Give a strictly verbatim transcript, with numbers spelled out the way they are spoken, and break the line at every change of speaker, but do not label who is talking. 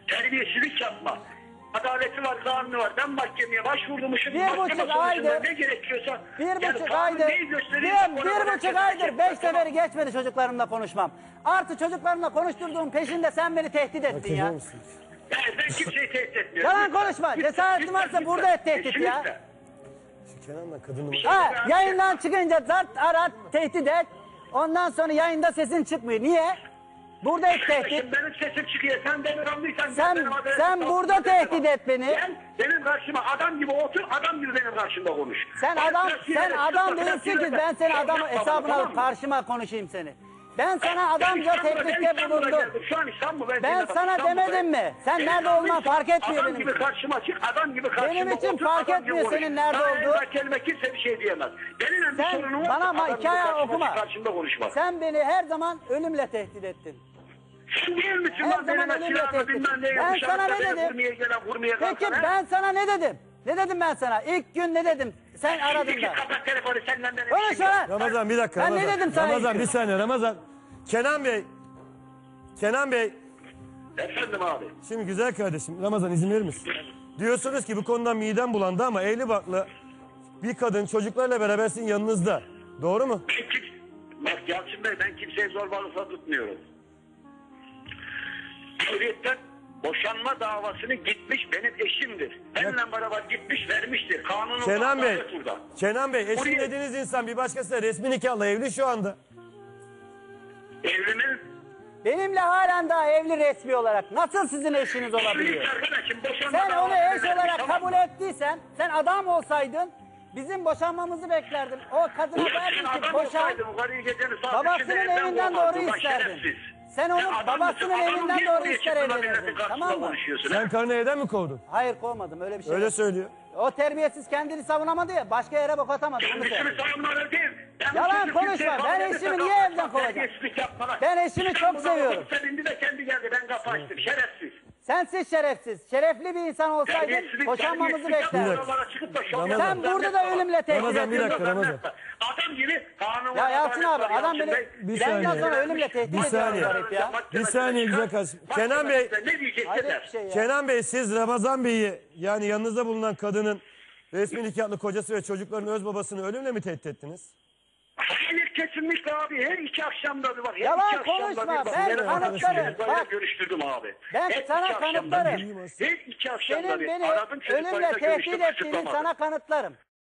Terbiyesizlik yapma. Adaleti var, kanunu var. Ben mahkemeye başvurmuşum.
Bir buçuk aydır.
Ne gerekiyorsa.
Bir
yani
buçuk aydır. Bir, bir buçuk aydır beş seferi geçmedi çocuklarımla konuşmam. Artı çocuklarımla konuşturduğum peşinde sen beni tehdit ettin ya.
Yani ben kimseyi tehdit etmiyorum.
Yalan konuşma. Cesaretin varsa burada et tehdit ya.
Kenan'la kadını...
Ha, yayından çıkınca zart arat tehdit et. Ondan sonra yayında sesin çıkmıyor. Niye? Burada et tehdit.
Benim sesim çıkıyor. Sen beni anlıyorsan...
Sen, sen burada tehdit et beni.
Sen benim karşıma adam gibi otur, adam gibi benim karşımda konuş.
Sen adam, sen adam değilsin ki ben seni adam hesabına alıp karşıma konuşayım seni. Ben sana adamca teklifte bulundum. Ben sana demedim mi? Sen nerede olman fark etmiyor benim için.
Adam gibi karşıma çık, adam gibi karşıma
benim için fark etmiyor senin nerede olduğu.
Kelime kimse bir şey diyemez. Benim
sen bana ama hikaye okuma. Sen beni her zaman ölümle tehdit ettin.
Sen değil misin?
Her zaman ölümle tehdit ettin. Ben sana ne dedim? Peki ben sana ne dedim? Ne dedim ben sana? İlk gün ne dedim? Sen aradın da.
Kapat telefonu senden benim.
Konuş lan.
Ramazan bir dakika.
Ben
Ramazan.
ne dedim sana?
Ramazan bir saniye Ramazan. Kenan Bey. Kenan Bey.
Efendim abi.
Şimdi güzel kardeşim Ramazan izin verir misin? Diyorsunuz ki bu konudan midem bulandı ama evli barklı bir kadın çocuklarla beraber sizin yanınızda. Doğru mu?
Bak Yalçın Bey ben kimseye zorbalıkla tutmuyorum. Hürriyetten boşanma davasını gitmiş benim eşimdir. Benimle beraber gitmiş vermiştir. Kanunun
Kenan Bey.
burada.
Kenan Bey eşim
Buraya...
dediğiniz insan bir başkasıyla resmi nikahla evli şu anda.
Evli mi?
Benimle halen daha evli resmi olarak. Nasıl sizin eşiniz olabiliyor? Sen onu eş olarak
tamam.
kabul ettiysen, sen adam olsaydın, bizim boşanmamızı beklerdin. O kadına derdin ki boşan, babasının evinden doğru isterdin. Sen onu sen babasının evinden doğru ister evlenirdin. Tamam mı?
Sen karını evden mi kovdun?
Hayır kovmadım öyle bir şey.
Öyle
yok.
söylüyor.
O terbiyesiz kendini savunamadı ya, başka yere bok atamadı.
Ben eşimi savunmadım değil.
Yalan konuşma. Ben eşimi niye evden kovacağım? Ben eşimi çok seviyorum.
Sevindi de kendi geldi. Ben kapı açtım. Şerefsiz.
Sensiz şerefsiz. Şerefli bir insan olsaydın boşanmamızı beklerdin. Sen burada da ölümle tehdit
Ramazan bir dakika Ramazan.
Adam gibi kanun.
Ya Yalçın abi adam beni
Bir
benden
saniye.
sonra ölümle tehdit
Bir
ediyor
saniye.
garip ya.
Bir saniye güzel kardeşim. Kenan Bey.
Ne diyeceksin
Hayret
der.
bir şey ya.
Kenan Bey siz Ramazan Bey'i yani yanınızda bulunan kadının resmi nikahlı kocası ve çocukların öz babasını ölümle mi tehdit ettiniz?
Hayır kesinlikle abi. Her iki akşamda bir var. Her
Yalan
iki akşamda
konuşma,
bir var.
ben
Benim
kanıtlarım.
arkadaşımla
Bak.
görüştürdüm abi.
Ben
Her iki
sana
akşamda
kanıtlarım.
bir. Her iki akşamda
Senin
bir.
beni
Aradım
ölümle
çocuklarıyla
tehdit
görüştüm.
ettiğini
kısıtlamadım.
sana kanıtlarım.